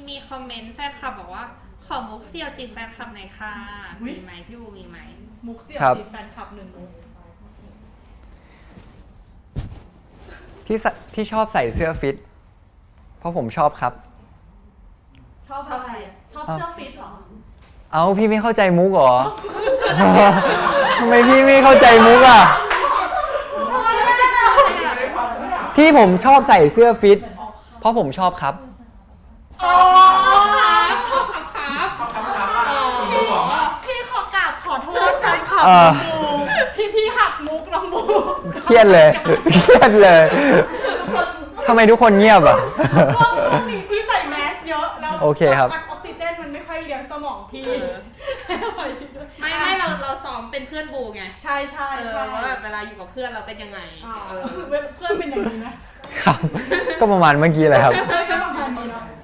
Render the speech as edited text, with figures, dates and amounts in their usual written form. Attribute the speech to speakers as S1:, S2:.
S1: มีคอมเมนต์แฟนคลับบอกว่าขอมุกเซียวจีบแฟนคลับหน่อยค่ะมีไหมพี่บูมีไหม
S2: มุกเสี่ยวจีบแฟนคลับ1 มุก
S3: ที่ชอบใส่เสื้อฟิตเพราะผมชอบครับ
S2: ชอบอะไรชอบเสื้อฟิตเหรอ
S3: เอาพี่ไม่เข้าใจมุกเหรอ ทำไมพี่ไม่เข้าใจมุกอ่ะที่ผมชอบใส่เสื้อฟิตเพราะผมชอบครับ
S2: อ๋อชอบครับพี่ขอกราบขอโทษแฟนคลับน้องบูที่พี่หักมุกน้องบู
S3: เครียดเลยเครียดเลยทำไมทุกคนเงียบอ่ะ
S2: ช่วงนี้พี่ใส่แมสเยอะแล้ว
S3: โอเคครับ
S2: ออกซิเจนมันไม่ค่อยเลี้ยงสมองพี่
S1: ไม่เราซ้อมเป็นเพื่อนบูไง
S2: ใช่
S1: ว่าแบบเวลาอยู่กับเพื่อนเราเป็นยังไง
S2: เพื่อนเป็นอย่างนี้นะครับ
S3: ก็ประมาณเมื่อกี้แหละครับ
S2: ก็ประมาณนี้เนาะ